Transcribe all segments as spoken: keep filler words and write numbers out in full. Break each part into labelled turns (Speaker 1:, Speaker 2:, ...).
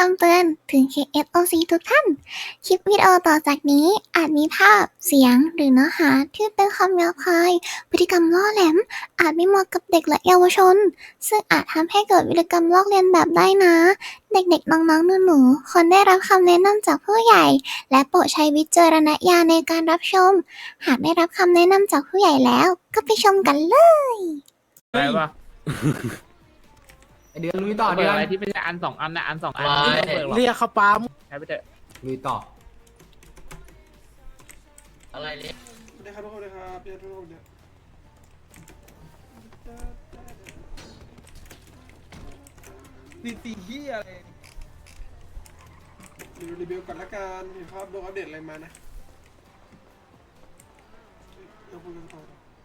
Speaker 1: ำเตือนถึง เค เอส โอ ซี ทุกท่าน คลิปวิดีโอต่อจากนี้อาจมีภาพ เสียง หรือเนื้อหาที่เป็นคำหยาบคาย พฤติกรรมล่อแหลม อาจไม่เหมาะกับเด็กและเยาวชน ซึ่งอาจทำให้เกิดพฤติกรรมลอกเลียนแบบได้นะ เด็กๆ น้องๆ หนูๆ ควรได้รับคำแนะนำจากผู้ใหญ่ และโปรดใช้วิจารณญาณในการรับชม หากได้รับคำแนะนำจากผู้ใหญ่แล้ว ก็ไปชมกันเลย
Speaker 2: อะไรวะ
Speaker 3: ไอเดือนลุยต่อ
Speaker 2: เปิ
Speaker 3: เดื
Speaker 2: ด
Speaker 3: อน
Speaker 2: อะไรที่ไม่ใช่อันสองอันนะอันสองอัน
Speaker 3: ว้าย
Speaker 2: ไม่ต้องเปิดหรอก
Speaker 4: เรียกเขาปั๊ม
Speaker 2: ใช้ไปเถอะ
Speaker 3: ลุยต่อ
Speaker 5: อะไรเนี่ย
Speaker 6: สวัสดีครับทุกคนนะครับพี่ทุกคนเนี่ยดีตีที่อะไรรีวิวรีวิวก่อนละกันเห็นภาพโดนอัปเดตอะไรมานะเดี๋ยวคุยกันต่อ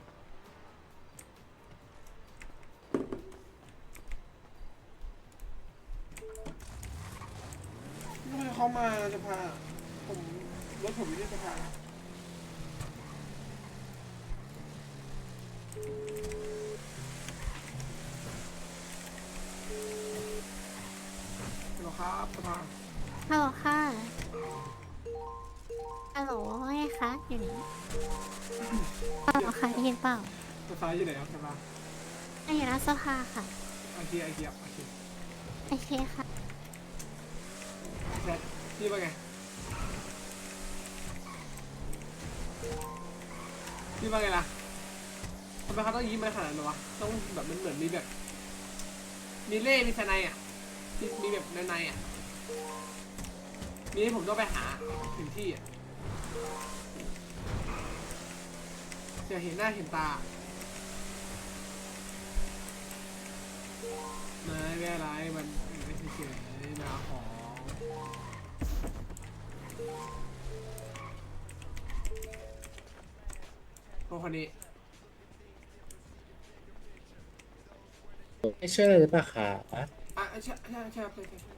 Speaker 6: ทำไมเขามาสภาผมรถผมอยู่ที่สภาฮัลโหลครับสภา
Speaker 7: ฮัลโหลค่ะฮัลโหลว่าไงคะ อยู่ไหนเปล่าค่ะได้ยินเปล่า
Speaker 6: สภาอยู่ไหนครับสภา
Speaker 7: อ่ะอยู่หน้าสภาค่ะ
Speaker 6: โอเคโอเคโอเค
Speaker 7: โอเคค่ะ
Speaker 6: แชทพี่ว่าไงพี่ว่าไงล่ะทำไมเขาต้องยิ้มมาขนาดนั้นวะต้องแบบมันเหมือนมีแบบมีเล่มีสไนอ่ะมีมีแบบในในอ่ะมีให้ผมต้องไปหาถึงที่อ่ะจะเห็นหน้าเห็นตาไม่ไม่อะไรมันไม่เฉยๆมาของพวกคนนี้
Speaker 4: ไม่ช่วยเลยหรือเปล่าคะ
Speaker 6: อ่ะใช่ใช่ใช่ใช่ใช่ใช่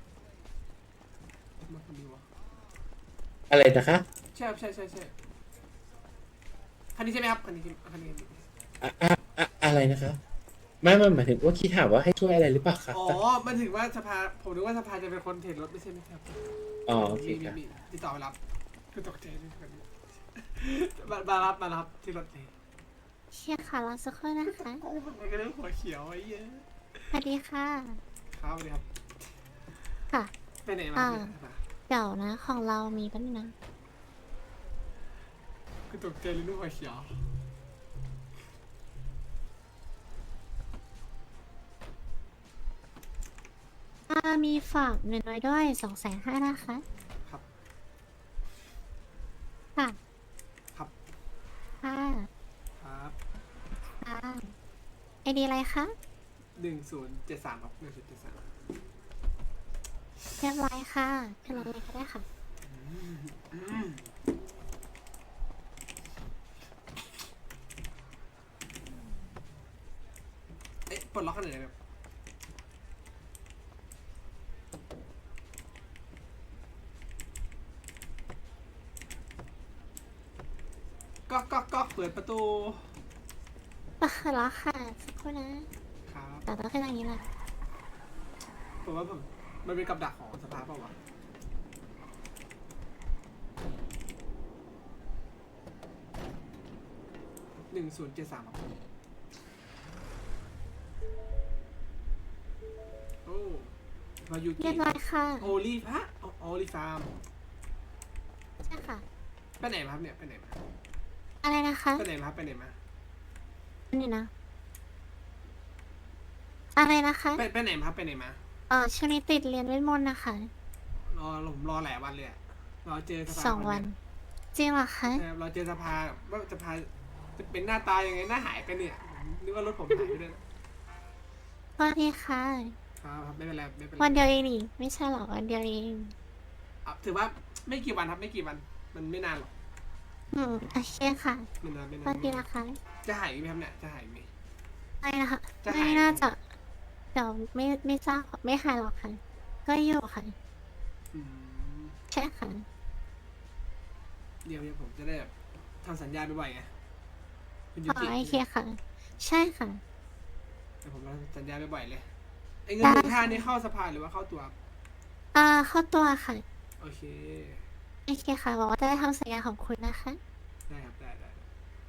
Speaker 6: มาคนนี้วะ
Speaker 4: อะไรนะคะ
Speaker 6: ใช่ครับใช่ใช่ใช่คันนี้ใช่ไหมครับคันนี้คันนี้คันนี้
Speaker 4: อะอะอะอะไรนะคะไม่ไม่หมายถึงว่าคิดถามว่าให้ช่วยอะไรหรือเปล่าคะ
Speaker 6: อ๋อมันถึงว่าสภาผมนึกว่าสภาจะเป็นคนเทรดรถไม่ใช่ไหมครับ
Speaker 4: อ๋อโอเค
Speaker 6: มี
Speaker 4: ค่ะ
Speaker 6: มีมีติดต่อไปรับคือตกใจเลยคันนี้มามารับมารับที่รถเลย
Speaker 7: เชียร์ค่ะรอสักครู่นะคะ
Speaker 6: โอ้มันก็เรื่องหัวเขียวไอ้เหี้ย
Speaker 7: สวัสดีค่ะ
Speaker 6: ครับสวัสดีครับ
Speaker 7: ค่ะ
Speaker 6: ไปไหนมา
Speaker 7: อ่า
Speaker 6: เนี่ยสภา
Speaker 7: เดี๋ยวนะ ของเรามีแป๊บนึงนะ
Speaker 6: คือตกใจเลยเรื่องหัวเขียว
Speaker 7: อ่า มีฝากเงินไว้ด้วยสองแสนห้านะคะ
Speaker 6: ครับ
Speaker 7: ค่ะ
Speaker 6: ครับ
Speaker 7: ค่ะ
Speaker 6: ครับ
Speaker 7: ค่ะไอดีอะไรคะ
Speaker 6: หนึ่งศูนย์เจ็ดสามครับหนึ่งศูนย์เจ็ดสาม
Speaker 7: เรียบร้อยค่ะขึ้นรถเลยก็ได้ค่ะ
Speaker 6: เอ๊ะปลดล็อกขนาดไหนแบบก๊อกก๊อกก๊อกเปิดประตู
Speaker 7: อ่ะแล้วค่ะ สักครู่นะครับ แต่ต้องขึ้นอย่างนี้แหละ
Speaker 6: ผมว่าผมมันเป็นกับดักของสภาเปล่าวะหนึ่งศูนย์เจ็ดสามครับโอ้มายู
Speaker 7: เรีย
Speaker 6: กิ
Speaker 7: บร้อยค่ะ
Speaker 6: โอลีฟะโอลีฟาร์ม
Speaker 7: ใช่ค่ะ
Speaker 6: ไปไหนมาครับเนี่ยไปไหนมา
Speaker 7: อะไรนะคะ
Speaker 6: ไปไหนมาครับไปไหนมา
Speaker 7: นี่นะ อะไรนะคะ
Speaker 6: ไปไปไหนมาครับไปไหนมา
Speaker 7: เออช่วงนี้ติดเรียนเวทมนต์นะคะ
Speaker 6: รอผมรอหลายวันเลยอะรอเจอสภา
Speaker 7: สองวัน จริงเหรอคะ
Speaker 6: เยรอเจอสภาว่าสภาจะเป็นหน้าตายังไงหน้าหายไปเนี่ยนึกว่ารถผมหายไปด้วยนะ
Speaker 7: สวัสดีค่ะ
Speaker 6: ครับครับไม่เป็นไรไม่เป็นไร
Speaker 7: วันเดียวเองนี่ไม่ใช่หรอวันเดียวเอง
Speaker 6: อ่ะถือว่าไม่กี่วันครับไม่กี่วัน มันไม่นานหรอก
Speaker 7: อืมโอเคค่ะ
Speaker 6: ไม่นานไม่
Speaker 7: ส
Speaker 6: นา
Speaker 7: วัน สดีนะคะ
Speaker 6: จะหายไหมครับเนี่ยจะหายไหม
Speaker 7: ไม่นะคะ
Speaker 6: จะหาย
Speaker 7: ไม่น่าจะเดี๋ยวไม่ไม่ทราบไม่หายหรอกค่ะ ก็อยู่ค่ะ
Speaker 6: อืม
Speaker 7: ใช่ค่ะ
Speaker 6: เดี๋ยวเดี๋ยวผมจะได้แบบทำสัญญาบ่อยๆไงคุณยู
Speaker 7: อ๋อ
Speaker 6: กิ
Speaker 7: โอเคค่ะ ใช่ค่ะ
Speaker 6: เดี๋ยวผมทำสัญญาบ่อยๆเลยไอ้เงินหมื่นห้านี่เข้าสภาหรือว่าเข้าตัวครับ
Speaker 7: เออ่าเข้าตัวค่ะ
Speaker 6: โอเค
Speaker 7: โอเคค่ะบอกว่าจะได้ทำสัญญาของคุณนะคะ
Speaker 6: ได้ครับได้ได้ได้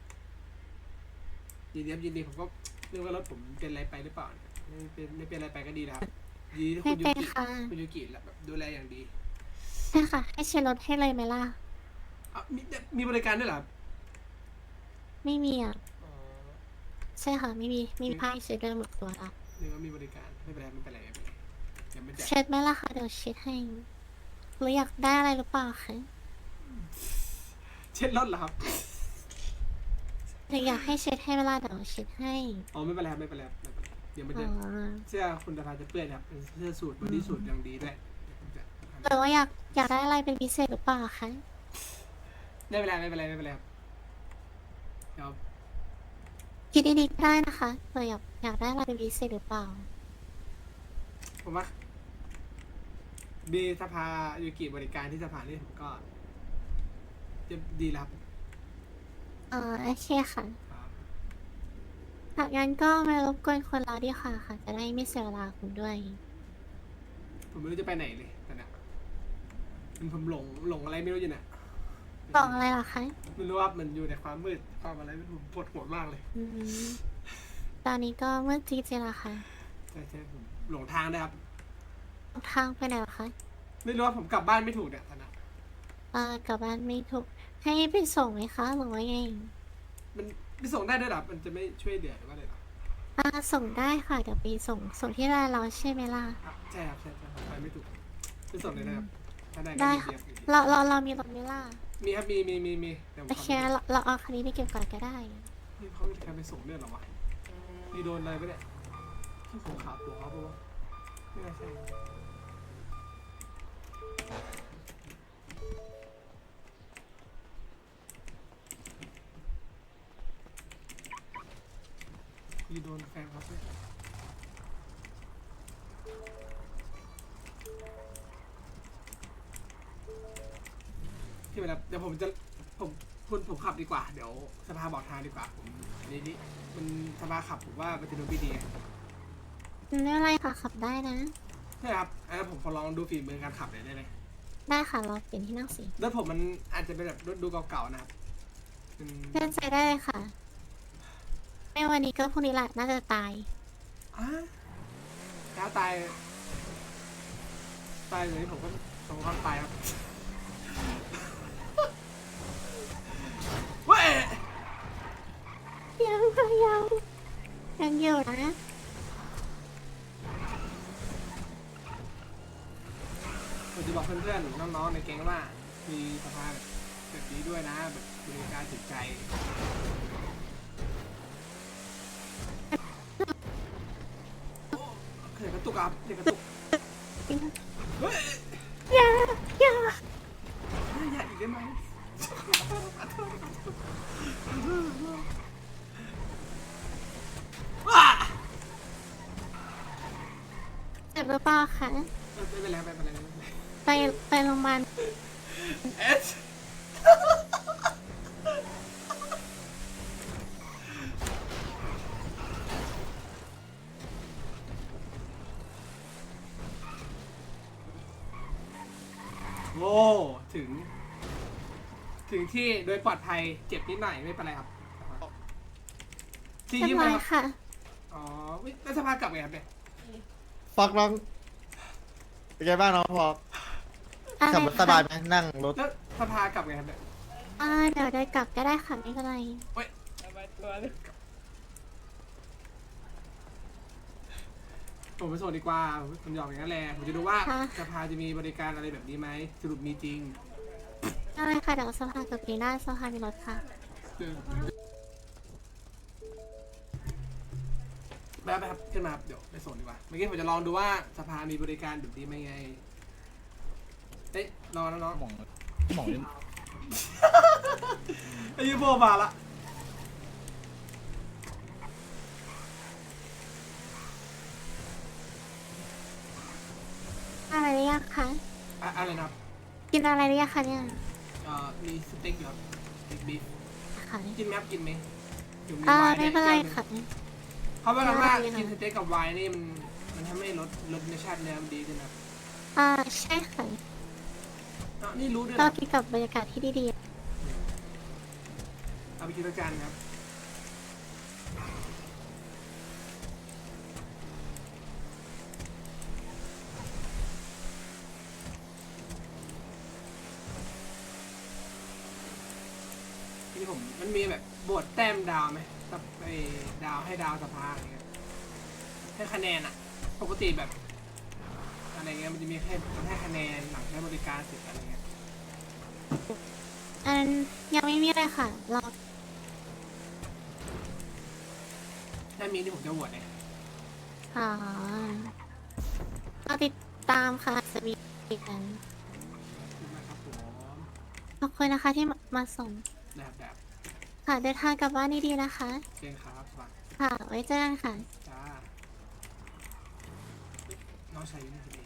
Speaker 6: ยินดีครับยินดีผมก็เรื่องว่ารถผมเป็นอะไรไปหรือเปล่าเนี่ยไม่เป็นไม่เป็นอะไรไปก็ดีนะครับยินดีที่
Speaker 7: ไม่
Speaker 6: คุณยู
Speaker 7: เป็น
Speaker 6: กิ
Speaker 7: ค่ะ
Speaker 6: คุณยูกิแบบดูแลอย่างดี
Speaker 7: ใช่ค่ะ ให้เช็ดรถให้เลยไหมล่ะ
Speaker 6: อ่ะมีมีบริการด้วยเหรอครับ
Speaker 7: ไม่มีอ่ะ
Speaker 6: อ๋อ
Speaker 7: ใช่ค่ะไม่มีไม่มีผ้าให้เช็ดเลยหมดตัวละ
Speaker 6: นึกว่ามีบริการไม่เป็นไรไม่เป็นไรไม่เป็นไรยังไม่แจก
Speaker 7: เช็ดไหมล่ะคะเดี๋ยวเช็ดให้หรืออยากได้อะไรหรือเปล่าคะ
Speaker 6: เช็ดรถเหรอครับ
Speaker 7: หรืออยากให้เช็ดให้เวลาเดี๋ยวเช็ดให้
Speaker 6: อ๋อไม่เป็นไรครับไม่เป็นไรครับไม่เป็นไรเดี๋ยวมัน
Speaker 7: อ๋
Speaker 6: จะ
Speaker 7: อ
Speaker 6: เสื้อคุณดาราจะเปื้อนครับเป็นเสื้อสูทบอดี้สูทอย่างดีด้วยเดี๋ยวผมจะ
Speaker 7: หรือว่าอยากอยากได้อะไรเป็นพิเศษหรือเปล่าคะ
Speaker 6: ไม่เป็นไรไม่เป็นไรไม่เป็นไรครับเดี๋ยว
Speaker 7: คิดดีๆก็ได้นะคะหรืออยากอยากได้อะไรเป็นพิเศษหรือเปล่า
Speaker 6: ผมว่ามีสภายูกิบริการที่สภานี่ผมก็จะดีแล้วครับ
Speaker 7: เออโอเคค่ะ
Speaker 6: ครับ
Speaker 7: หากงั้นก็ไม่รบกวนคนเราดีค่ะค่ะ จะได้ไม่เสียเวลาคุณด้วย
Speaker 6: ผมไม่รู้จะไปไหนเลยตอนเนี้ยมันผมหลงหลงอะไรไม่รู้อยู่เนี่ย
Speaker 7: บอกอะไรเหรอคะ
Speaker 6: ไม่รู้ว่ามันอยู่ในความมืดความอะไรไม่รู้ผมปวดหัวมากเลย
Speaker 7: อืมตอนนี้ก็มืดจริงๆแล้วค่ะ
Speaker 6: ใช่ใช่ผมหลงทางนะครับ
Speaker 7: ทางไปไหนเหรอคะ
Speaker 6: ไม่รู้ว่าผมกลับบ้านไม่ถูกเนี่ยตอนเนี้ย
Speaker 7: เออกลับบ้านไม่ถูก ให้ไปส่งไหมคะหรือว่าไง
Speaker 6: มันไปส่งได้ด้วยเหรอมันจะไม่ช่วยเหลือหรือว่าอะไรเหรอ
Speaker 7: อ่าส่งได้ค่ะ เดี๋ยวไปส่งส่งที่ร้านเราใช่ไหมล่ะ
Speaker 6: ครับใช่ครับใช่ใช่ผมไปไม่ถูกไปส่งเลยนะครับถ้าได้ก็
Speaker 7: ได้
Speaker 6: ดี
Speaker 7: ค่ะ
Speaker 6: เดียว
Speaker 7: เราเราเรามีรถไหมล่ะ
Speaker 6: มีครับมีมีมีมีเดี๋ยวผม
Speaker 7: โอ
Speaker 6: ขับ
Speaker 7: เค
Speaker 6: ไป
Speaker 7: เราเราเอาคันนี้ไปเก็บก่อนก็ได้
Speaker 6: นี่เขามีการไปส่งเรื่องเหรอวะนี่โดนอะไรไปเนี่ยที่ผมขาหัวเขาปะวะไม่น่าใช่นี่โดนแฟนครับเนี่ยที่เวลาเดี๋ยวผมจะผมคุณผมขับดีกว่าเดี๋ยวสภาบอกทางดีกว่าผมอันนี้นี่มันสภาขับผมว่ามันจะดูไม่ดีไง
Speaker 7: ไม่เป็นไรค่ะขับได้นะ
Speaker 6: ใช่ครับอันนั้นผมขอลองดูฝีมือการขับหน่อยได้ไหม
Speaker 7: ได้ค่ะเราเปลี่ยนที่นั่งสิ
Speaker 6: รถผมมันอาจจะเป็นแบบรถดูเก่าๆนะครับเป็น
Speaker 7: เลื่อนใจได้เลยค่ะ ไม่วันนี้ก็พรุ่งนี้แหละน่าจะตาย
Speaker 6: อ่ะถ้าตายตายเลยผมก็ผมก็ตายครับเว้ย
Speaker 7: ยังค่ะยังยังอยู่นะ
Speaker 6: ผมจะบอกเพื่อนๆน้องๆในแก๊งว่า มีสภาพแบบนี้ด้วยนะแบบบริการถึงใจเขื่อนกระตุกครับเขื่อนกระตุกเฮ้ย
Speaker 7: อย่าอย่า
Speaker 6: อย่าอีกได้ไหม ว้า
Speaker 7: เจ็บหรือเปล่าคะ
Speaker 6: ไม่เป็นไรไม่เป็นไรไม่เป็นไร
Speaker 7: ไปไปโรงพยาบาล
Speaker 6: เอสโอ้ถึง ถึงที่โดยปลอดภัยเจ็บนิดหน่อยไม่เป็นไรครับที่
Speaker 7: เรีย
Speaker 6: ยิ้
Speaker 7: บ
Speaker 6: ม
Speaker 7: ร้
Speaker 6: เล
Speaker 7: อย ย
Speaker 6: ครับ
Speaker 7: ค่ะ
Speaker 6: อ๋อวิแล้วสภากลับไงครับเนี่ย
Speaker 3: ฟอกน้องเป็นไงบ้างน้องฟอก
Speaker 7: อะไร
Speaker 3: ขับรถสบายไหมนั่งรถ
Speaker 6: แล้วสภากลับไงครับเนี่ย
Speaker 7: อ่าเดี๋ยวเดินกลับก็ได้ค่ะไม่เป็นไร
Speaker 6: เฮ้ยผมไปส่งดีกว่าผมยอมอย่างนั้นแหละผมจะดูว่าสภาจะมีบริการอะไรแบบนี้ไหมสรุปมีจริง
Speaker 7: อะไรค่ะเดี๋ยวสภากับปีหน้าสภามีรถค่ะ
Speaker 6: แบบแบบขึ้นมาครับเดี๋ยวไปส่งดีกว่าเมื่อกี้ผมจะลองดูว่าสภามีบริการแบบนี้ไหมไงเอ๊ะรอแล้วน้อง
Speaker 3: หมองหมองนี่
Speaker 6: ไอ้ยูโบมาละ
Speaker 7: อะไรหรือยังคะ
Speaker 6: อะอะไรนะครับ
Speaker 7: กินอะไรหรือยังคะเนี่ย
Speaker 6: เอ่อมีสเต็กอยู่ครับสเต็กบีฟ
Speaker 7: ค่ะ
Speaker 6: กินไหมครับกินไหมเดี๋ยวมี
Speaker 7: อ่า
Speaker 6: ไวน์
Speaker 7: ไม่
Speaker 6: ด้วย
Speaker 7: เป็นไร
Speaker 6: แก้วหนึ่ง
Speaker 7: ค่ะ
Speaker 6: เขาบอกกันว่า
Speaker 7: ได้ค่ะ
Speaker 6: กินสเต็กกับไวน์นี่มันมันทำให้รสรสในชาติเนื้อมันดีขึ้นครับ
Speaker 7: ออ่าใช่ค่ะ
Speaker 6: อ้าวนี่รู้ด้วย
Speaker 7: ก็
Speaker 6: นะ
Speaker 7: กินกับบรรยากาศที่ดี
Speaker 6: เอาไปกินด้วยกันครับทีนี้ผมมันมีแบบบวชแต้มดาวไหมกับไอ้ดาวให้ดาวสภาอะไรเงี้ยให้คะแนนอะปกติแบบอะไรเงี้ยมันจะมีให้ให้คะแนนหลังใช้บริการเสร็จอะไรเงี้ย
Speaker 7: ๆ อันยังไม่มีเลยค่ะ เรา
Speaker 6: ถ้ามีที่ผมจะบวชเนี่ย
Speaker 7: อ๋อเราติดตามค่ะสวีกัน
Speaker 6: นะครับผม
Speaker 7: ขอบคุณนะคะที่มาส่ง
Speaker 6: แบบแบบ
Speaker 7: ค่ะเดินทางกลับบ้านดีๆนะคะ
Speaker 6: เก่งครับสวัสดี
Speaker 7: ค่ะ ไว้เจอกันค่ะ
Speaker 6: จ้าน้องชายอยู่นี่พอดี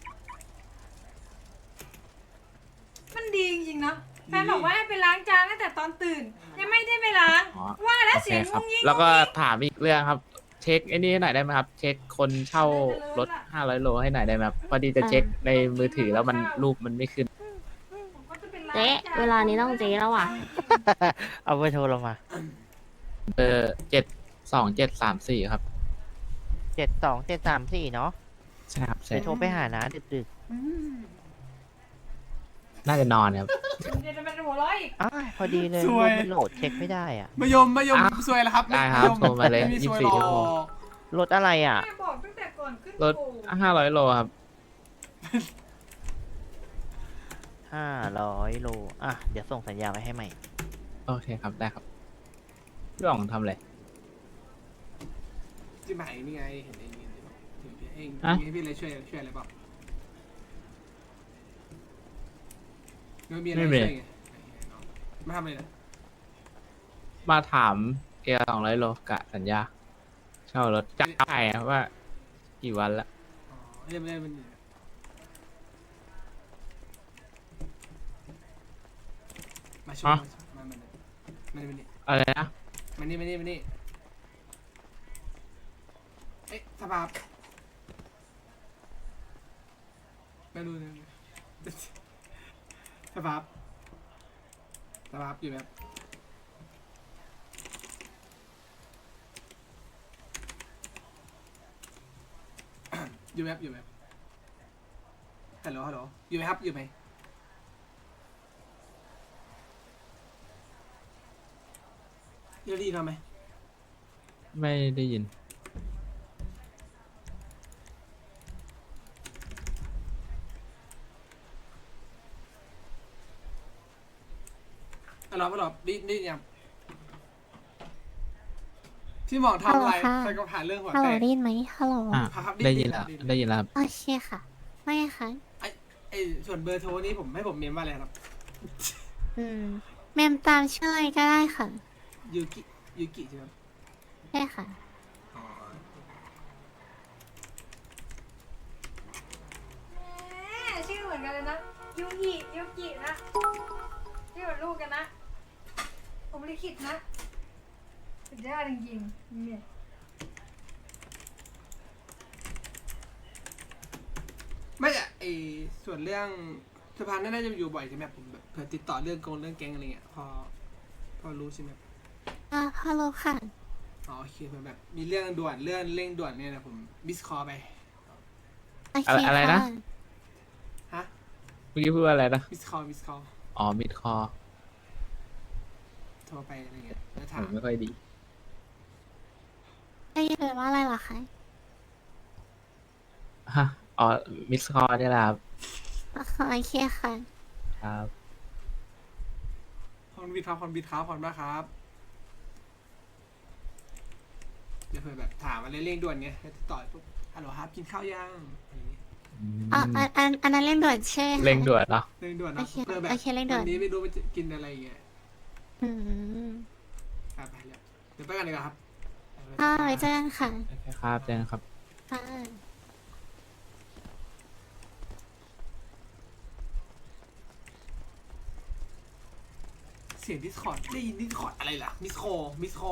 Speaker 5: มันดีจริงๆเนาะแฟนบอกว่าให้ไปล้างจานตั้งแต่ตอนตื่น ยังไม่ได้ไปล้าง
Speaker 2: อ๋อ
Speaker 5: ว่าแล้ว
Speaker 2: โอเค
Speaker 5: เสียง
Speaker 2: ครั
Speaker 5: งุ้
Speaker 2: บ
Speaker 5: งยิ่ง
Speaker 2: แล้วก็
Speaker 5: งุ้งยิ่ง
Speaker 2: ถามอีกเรื่องครับ เช็คไอ้นี่ให้หน่อยได้ไหมครับ เช็คคนเช่ารถห้าร้อยโลให้หน่อยได้ไหมครับพอดีจะเช็คในมือถือแล้วมันรูปมันไม่ขึ้น
Speaker 5: ผมก็จะไปล้าง
Speaker 8: เจ๊
Speaker 5: จาน
Speaker 8: เวลานี้ต้องเจ๊แล้วว่ะ
Speaker 9: เอาเบอร์โทรเรามา
Speaker 2: เออเจ็ดสองเจ็ดสามสี่ครับ
Speaker 9: เจ็ดสองเจ็ดสามสี่เนาะ
Speaker 2: ใช่ครับ
Speaker 9: ไป
Speaker 2: ใช่
Speaker 9: โทรไปหานะดึก
Speaker 5: อืม
Speaker 2: น่าจะนอนครับ
Speaker 5: เดี๋ยวจะเป็นหัวเร้อยอีก
Speaker 9: ๆอ้าวพอดีเลย
Speaker 6: สวย
Speaker 9: มันโหลดเช็คไม่ได้อ่ะ
Speaker 6: มายมมายม
Speaker 2: อ้าว
Speaker 6: ซวยแล้วครับ
Speaker 2: ได้ครับ
Speaker 6: มย
Speaker 2: โทรมาเลย
Speaker 6: ไมีซวย
Speaker 2: ยี่สิบสี่
Speaker 6: หร
Speaker 2: ชั่วโมง
Speaker 6: อก
Speaker 9: รถอะไรอ่ะ
Speaker 5: แม่บอกตั้งแต่ก่อนขึ้น
Speaker 2: รถ
Speaker 5: โู
Speaker 2: ห้าร้อยโลครับ
Speaker 9: ห้าร้อยโล อ่ะ เดี๋ยวส่งสัญญาไปให้ใหม่
Speaker 2: โอเคครับ ได้ครับ พี่อ๋องทำอะไร
Speaker 6: ที่หมายนี่ไงเห็นไอ้นี่ถึงพี่เอง
Speaker 2: อะ
Speaker 6: มีพี่อะไรช่วยช่วยอะไรเปล่าไม่มีอะไร
Speaker 2: ไม่มี
Speaker 6: ช่วยไงมาทำอะไรนะ
Speaker 2: มาถามเกียร์สองร้อยโลกะสัญญา เช่ารถจะได้ครับว่า กี่วันละ
Speaker 6: อ๋อเรียบเรียบมันมาช่วยมามามามานี่มานี่
Speaker 2: อะไรนะ
Speaker 6: มานี่มานี่มานี่เอ๊ะสภาพไม่รู้นะสภาพสภาพอยู่แบบอยู่แบบอยู่แบบฮัลโหลฮัลโหลอยู่ไหมครับอยู่ไหมเดี๋ยวดีทำไหม
Speaker 2: ไม่ได้ยิน
Speaker 6: ฮัลโหลฮัลโหลดีดียังที่หมองทำอะไร
Speaker 7: ฮัลโหลค่ะ
Speaker 6: ใครก็ผ่านเรื่องหัว
Speaker 7: ฮัลโหล
Speaker 6: แตก
Speaker 7: ได้ยินไหมฮัลโหล
Speaker 2: อ่ะ
Speaker 6: ครับ
Speaker 2: ได้ยินแล้ว ได้ยินแล้วครับ
Speaker 7: โอเคค่ะ ไม่ค่ะ
Speaker 6: ไอไอส่วนเบอร์โทรนี้ผมให้ผมเมมว่าอะไรครับ
Speaker 7: อืม เมมตามชื่อเลยก็ได้ค่ะ
Speaker 6: ยูกิยูกิใช่ไหม
Speaker 7: ใช่ค่ะ
Speaker 6: อ๋อ
Speaker 5: แหมชื่อเหมือนกันเลยนะยูกิยูกินะชื่อเหมือนลูกกันนะ ผมลิขิตนะสุดยอดจริงๆเนี่ย
Speaker 6: ไม่อะไอส่วนเรื่องสะพานนั่นน่าจะอยู่บ่อยใช่ไหมผมแบบเผื่อติดต่อเรื่องกงเรื่องแก๊งอะไรเงี้ยพอพอรู้ใช่ไหม
Speaker 7: อ่าฮัลโหลค่ะ
Speaker 6: อ๋อโอเคเผื่อแบบมีเรื่องด่วนเรื่องเร่งด่วนเนี่ยนะผมบิสคอไป
Speaker 7: โอเค
Speaker 2: อะไรนะ
Speaker 7: ค่ะ
Speaker 6: ฮะ
Speaker 2: เมื่อกี้พูดว่าอะไรนะ
Speaker 6: บิสคอบิสคอ
Speaker 2: อ๋อ มิดคอ
Speaker 6: โทรไปอะไรเงี้ยแล้ว
Speaker 2: ผ
Speaker 6: ถาม
Speaker 2: มไม่ค่อยดี
Speaker 7: ได้ยินเลยว่าอะไรเหรอคะ
Speaker 2: ฮะ อ๋อ มิดคอนี่แหละครับ
Speaker 7: โอเคค่ะ
Speaker 2: ครับ
Speaker 6: คอนบิดครับคอนบิดครับคอนบ้าครับเดี๋ยวเผื่อแบบถามอะไรเร่งด่วนเงี้ยแล้วติดต่อปุ๊บฮัลโหลครับกินข้าวยังอะไรเงี้ย
Speaker 7: อ่ะอันอันอันนั้นเล่นด่วนใช่ไหมคะ
Speaker 2: เร่งด่วนเนาะ
Speaker 6: เร่งด่วนนะ
Speaker 7: โอเค
Speaker 6: เผื่อแบบ
Speaker 7: โอเคเร่งด่วน
Speaker 6: วันนี้ไม่รู้ว่าจะกินอะไรเงี้ย
Speaker 7: อืม
Speaker 6: อ่ะไปแล้วเดี๋ยวไปกันเลยครับ
Speaker 7: อ่าไว้เจอกันค่ะ
Speaker 2: โอเคครับเจนครับ
Speaker 7: ค่ะ
Speaker 6: เสียงดิสคอร์ดได้ยินดิสคอร์ดอะไรล่ะมิสโคมิสโค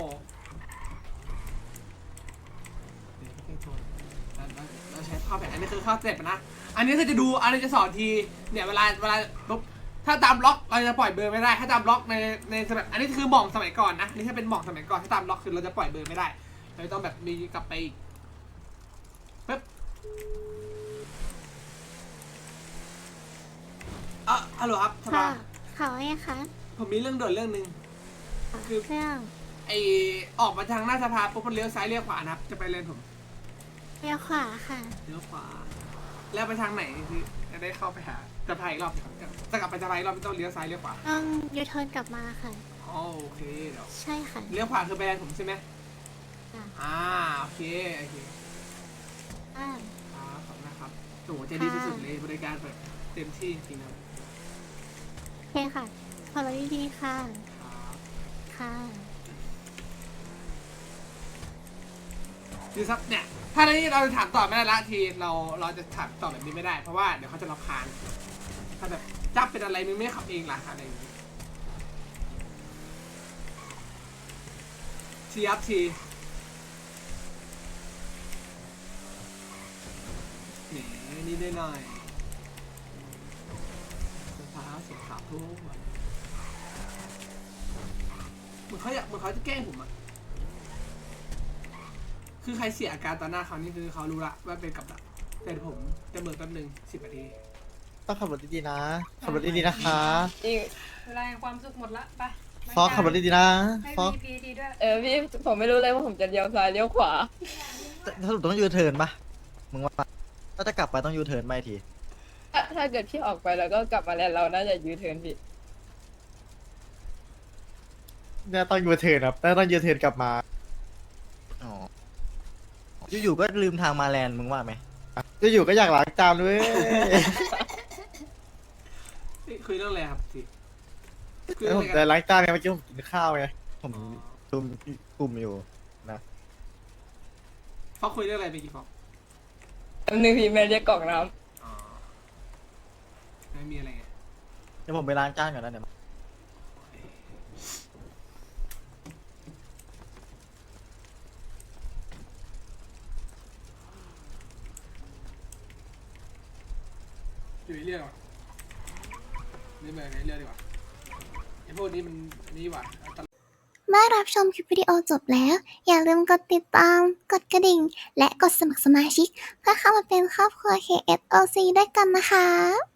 Speaker 6: เดี๋ยวไม่โทรเราเราเราใช้ข้าวแบบอันนี้คือข้าวเจ็บนะอันนี้คือจะดูอันนี้จะสอนทีเนี่ยเวลาเวลาปุ๊บถ้าตามล็อกเราจะปล่อยเบอร์ไม่ได้ถ้าตามล็อกในในสมัยอันนี้คือหม่องสมัยก่อนนะอันนี่ถ้าเป็นหม่องสมัยก่อนถ้าตามล็อกคือเราจะปล่อยเบอร์ไม่ได้เราต้องแบบมีกลับไปอีกปึ๊บอ่ะฮัลโหลครับส
Speaker 7: ค่ะ
Speaker 6: ภา
Speaker 7: ค่ะว่าไงคะ
Speaker 6: ผมมีเรื่องด่วนเรื่องหนึ่ง คือ
Speaker 7: เรื่อง
Speaker 6: ไอออกมาทางหน้าสภาปุ๊บมันเลี้ยวซ้ายเลี้ยวขวานะครับจะไปเลนผม
Speaker 7: เลี้ยวขวาค่ะ
Speaker 6: เลี้ยวขวาแล้วไปทางไหนคือจะได้เข้าไปหาสภาอีกรอบครับจะกลับไปสภาอีกรอบต้องเลี้ยวซ้ายเลี้ยวขวา
Speaker 7: ต้องยูเทิร์นกลับมาค่ะ
Speaker 6: อ๋อโอเคเดี๋ยว
Speaker 7: ใช่ค่ะ
Speaker 6: เลี้ยวขวาคือไปเลนผมใช่ไหม
Speaker 7: ค่ะ
Speaker 6: อ่าโอเคโอเค
Speaker 7: อ่า
Speaker 6: ครับขอบคุณนะครับโอ้โหใจดีสุดๆเลยบริการแบบเต็มที่จริงๆนะ
Speaker 7: โอเคค่ะขอรับดีๆค่ะ
Speaker 6: ครับ
Speaker 7: ค่ะ
Speaker 6: คือซับเนี่ยถ้าในนี้เราจะถามต่อไม่ได้ละทีเราเราจะถามต่อแบบนี้ไม่ได้เพราะว่าเดี๋ยวเขาจะรำคาญถ้าแบบจับเป็นอะไรมึงไม่ขับเองล่ะอะไรอย่างนี้ทีครับทีแหมนี่ได้หน่อยสภาเสียขาวทุกวันเหมือนเขาอยากเหมือนเขาจะแกล้งผมอะคือใครเสียอาการต่อหน้าเขานี่คือเขารู้ละว่าเป็นกับดักแต่ผมจะเบิกแป๊บนึงสิบนาที
Speaker 3: ต้องขับรถดีๆนะ ขับรถดีๆนะคะ
Speaker 5: เวลาแห่งความสุขหมดละไป
Speaker 3: ฟอกขับรถดีๆนะ
Speaker 5: ให้
Speaker 3: ฟอก
Speaker 5: พีพีทีด้วย
Speaker 8: เออพี่ผมไม่รู้เลยว่าผมจะเลี้ยวซ้ายเลี้ยวขวา
Speaker 10: ถ้าสรุปต้องยูเทิร์นปะมึงว่าถ้าจะกลับไปต้องยูเทิร์นไปที
Speaker 8: ถ้าถ้าเกิดพี่ออกไปแล้วก็กลับมาแล้วเราน่าจะยูเทิร์นพี่
Speaker 3: เนี่ยต้องยูเทิร์นครับแต่ต้องยูเทิร์นกลับมา
Speaker 10: อ๋อ อยู่ๆก็ลืมทางมาแลนด์มึงว่าไหม
Speaker 3: จะอยู่ก็อยากล้างจานด้วย
Speaker 6: นี่คุยเรื่องอะไรครับทีคุย
Speaker 3: แล้
Speaker 6: เรื่
Speaker 3: ว
Speaker 6: อง
Speaker 3: ผ
Speaker 6: อะ
Speaker 3: ม
Speaker 6: ไร
Speaker 3: จะ
Speaker 6: กัน
Speaker 3: ล้างจานไงเมื่อกี้ผมกินข้าวไง
Speaker 10: ผมกลุ่มกลุ่มอยู่นะ
Speaker 6: เขาคุยเรื่องอะไรไปกี่ฟอก
Speaker 8: อันนึงพี่แม่เรียกกล่องน้
Speaker 6: อ๋อไม่มีอะไรไง
Speaker 10: เดี๋ยวผมไปล้างจานก่อนนะเดี๋ยว
Speaker 6: อยู่ในเรื่องอ่ะนี่มาในเรื่องดีกว่าไอ้พวกนี้มันนี่หว่า
Speaker 1: เมื่อรับชมคลิปวิดีโอจบแล้ว อย่าลืมกดติดตาม กดกระดิ่ง และกดสมัครสมาชิก เพื่อเข้ามาเป็นครอบครัว เค เอส โอ ซี ด้วยกันนะคะ